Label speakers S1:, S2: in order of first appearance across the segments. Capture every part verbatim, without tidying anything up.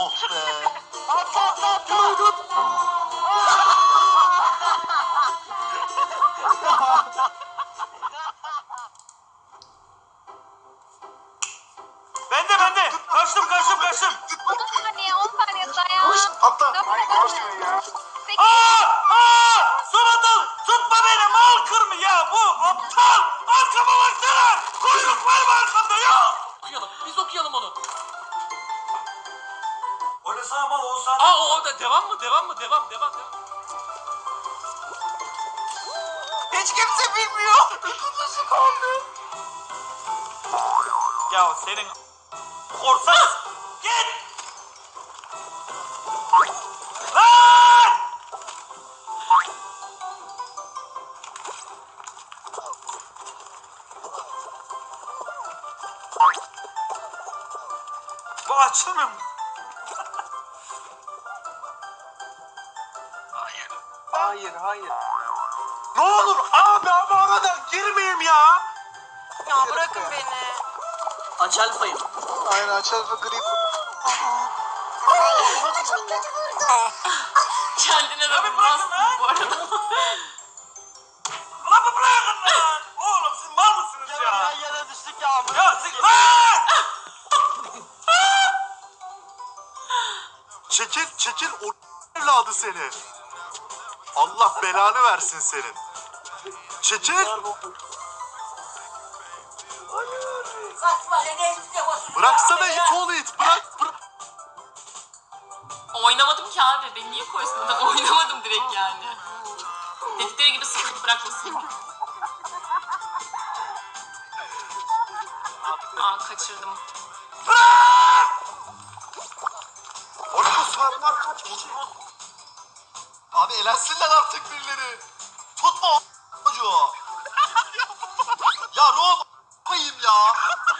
S1: Oh be.
S2: At at at at.
S3: Bende bende. Kaçtım kaçtım kaçtım.
S4: on saniye on saniye dayan.
S1: Koş atla.
S4: Dönme,
S1: Ay
S4: dönme.
S1: koşmayın ya.
S4: sekiz.
S3: Aa! Aa! Subatal! Tutma beni mal kırmı ya bu aptal! Arkama baksana! Kuyruk var mı arkamda ya?
S5: Okuyalım. Biz okuyalım onu.
S3: Oynasana mal olsan.
S5: Aa o, o da devam mı? Devam mı? Devam devam devam.
S3: Hiç kimse bilmiyor. Nasıl kaldı? Ya senin korsan git! Lan! Bu açılmıyor mu?
S1: Hayır hayır.
S3: Ne olur abi ama arada girmeyeyim ya.
S2: Ya bırakın beni.
S5: Aç alfayı.
S1: Aynen açar ve grip.
S5: Kendine de
S3: Abi
S5: vurmazsın
S3: bırakın lan.
S5: bu arada.
S3: Ulan bu bırakın lan. Oğlum siz mal mısınız ya?
S2: Ya yere düştük ya.
S3: Ya siz lan!
S6: Çekil, çekil o evladı seni. Allah belanı versin senin. Çekil. Bıraksana it oğlu it. Bırak, bırak.
S7: Oynamadım ki abi. Beni niye koysun adam? Oynamadım direkt yani. Dedikleri gibi sıkıntı bırakmasın. Aa kaçırdım.
S6: Oğlum bu sarılar kaç kişi? Abi elensinler artık birileri. Tutma o çocuğu. Ya Rom koyayım ya.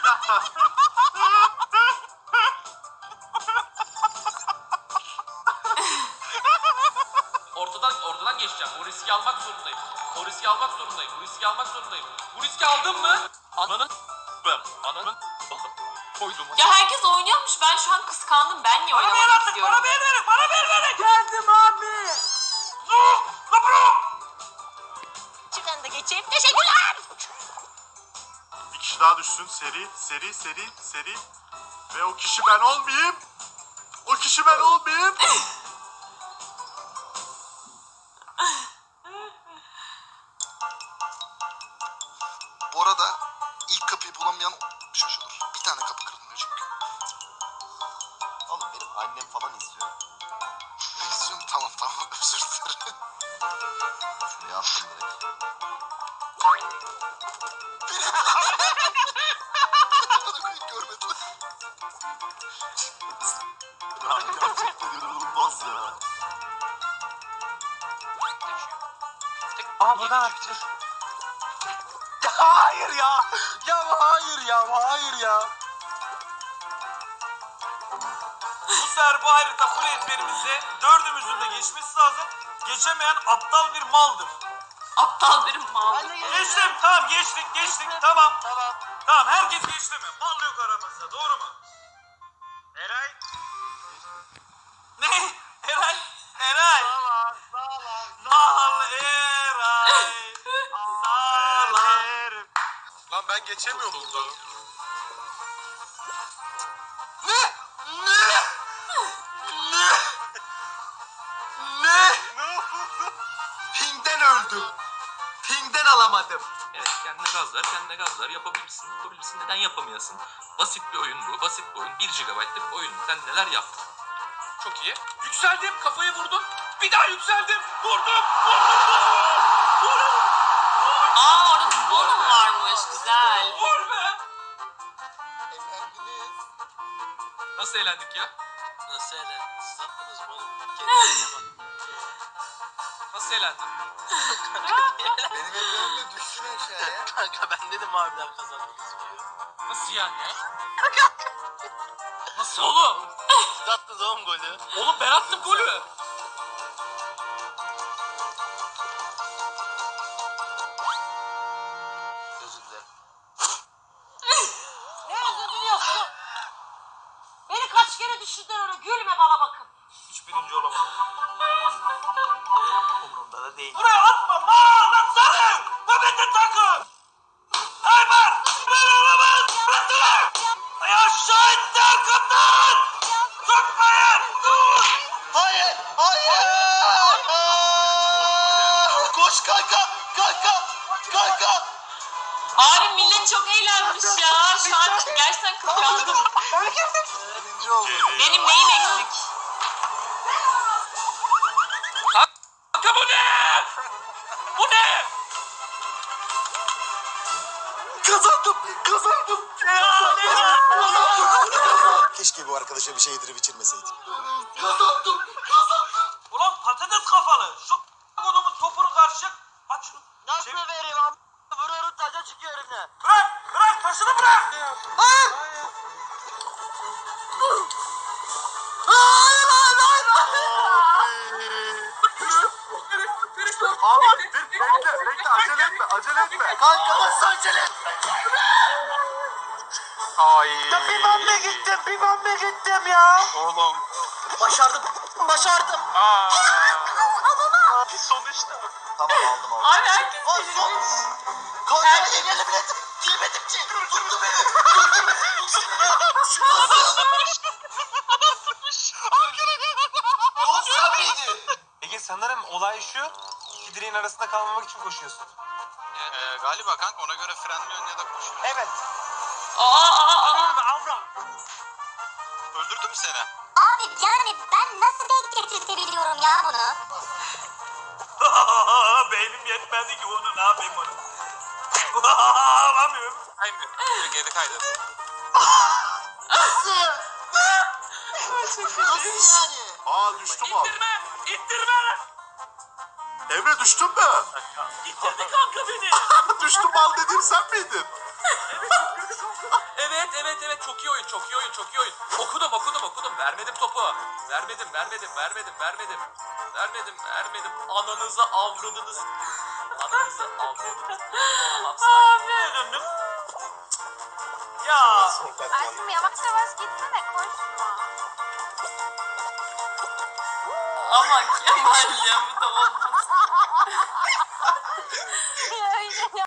S5: Ortadan ortadan geçeceğim. O riski almak zorundayım. O riski almak zorundayım. Bu riski almak zorundayım. Bu riski aldım mı? Ananın ben. Ananın koydum.
S7: Ya herkes oynuyormuş. Ben şu an kıskandım. Ben niye
S3: Bana ver
S7: oynamamak
S3: artık,
S7: istiyorum?
S3: bana ver verin, bana ver verin.
S2: Geldim abi.
S3: Zuh! Lan bro!
S2: Çıkan da geçeyim. Teşekkürler.
S6: Bir kişi daha düşsün. Seri, seri, seri, seri. Ve o kişi ben olmayayım. O kişi ben olmayayım. Bu arada ilk kapıyı bulamayan şaşırır. Bir tane kapı kırılmıyor çünkü. Oğlum benim annem falan izliyor. İzliyorum tamam tamam özür dilerim. Şuraya attım direkt. Bana koyup görmediler. Gerçekten inanılmaz ya.
S2: Aa buradan atacağız. Hayır ya. Ya hayır ya. Hayır ya.
S3: Bu sefer bu harita full ezberimizde dördümüzün de geçmesi lazım. Geçemeyen aptal bir maldır.
S7: Aptal bir mal.
S2: Ben de geldim.
S3: Geçtim, tamam geçtik, geçtik, tamam.
S2: Tamam.
S3: Tamam, herkes geçti mi? Mal yok aramızda, doğru mu? Eray? Ne? Eray? Eray?
S2: Sağ sağ ol.
S3: Mal Eray. Sağlam.
S6: Lan ben geçemiyorum burada.
S1: Ping'den öldüm. Ping'den alamadım.
S5: Evet kendine gazlar, kendine gazlar. Yapabilirsin, yapabilirsin. Neden yapamayasın? Basit bir oyun bu. Basit bir oyun. bir gigabaytlık bir oyun. Sen neler yaptın? Çok iyi. Yükseldim. Kafayı vurdum. Bir daha yükseldim. Vurdum. Vurdum. Vurdum. Vurdum.
S7: Aa orada futbol da mı varmış? Güzel.
S5: Vur be.
S1: Eğlendiniz.
S5: Nasıl eğlendik ya?
S2: Nasıl eğlendiniz? Siz yaptınız mı oğlum?
S5: Nasıl eğlendin?
S1: Benim ellerimde düşsün aşağıya.
S2: Kanka ben dedim harbiden kazandınız diyor.
S5: Nasıl yani ya? Nasıl oğlum?
S2: Siz attınız oğlum golü.
S5: Oğlum ben attım golü.
S2: Özür dilerim. Ne özür diliyorsun? Beni kaç kere düşürdün öyle gülme baba. Hayır! Koş kanka! Kanka! Kanka!
S7: Abi millet çok eğlenmiş ya. Şu an gerçekten kıskandım.
S1: Birinci oldu.
S7: Benim neyim eksik?
S5: Kanka bu ne? Bu ne?
S2: Kazandım! Kazandım!
S8: Keşke bu arkadaşa bir şey yedirip içirmeseydik.
S2: Kazandım! Kazandım!
S3: Ulan patates kafalı. Şu kodumun topunu karışık. Aç şunu.
S2: Nasıl
S3: Çevir.
S2: vereyim am? Vuruyorum taca çıkıyor elimden.
S3: Bırak. Bırak. Taşını bırak.
S6: Abi dur bekle bekle acele etme acele etme.
S2: Kanka nasıl acele etme?
S1: Ay.
S2: Bir ben mi gittim? Bir ben mi gittim ya?
S1: Oğlum.
S2: Başardım. Başardım.
S1: Aa.
S2: Sonuçta.
S8: Tamam aldım aldım.
S7: Abi herkes
S2: O
S7: delirmiş.
S2: son. Kanka beni gelebiledim. Girmedim ki. Tuttu beni. Tuttu beni. Yavuz sen miydin?
S1: Ege sanırım olay şu. İki direğin arasında kalmamak için koşuyorsun.
S2: Ee, galiba kanka ona göre frenliyorsun ya da koşuyorsun.
S1: Evet.
S7: Aa aa aa.
S2: Öldürdü mü seni?
S9: Abi yani ben nasıl denk getirtebiliyorum ya bunu?
S3: Beynim yetmedi ki onu ne yapayım onu. Alamıyorum.
S1: Aynı. Geri kaydı.
S2: Nasıl? Nasıl yani?
S6: Aa düştüm abi.
S3: İttirme. İttirme.
S6: Emre düştün mü?
S3: İttirdi kanka beni.
S6: Düştüm mal dediğim sen miydin?
S5: Evet evet evet çok iyi oyun çok iyi oyun çok iyi oyun. Okudum okudum okudum vermedim topu. Vermedim vermedim vermedim vermedim. Vermedim vermedim. Ananızı avradınız. Ananızı avradınız. Tamam sakin.
S3: Abi döndüm. Ya.
S4: Aşkım yavaş yavaş gitsene koşma.
S7: Ama Kemal ya bu da olmaz.
S4: Öyle ya.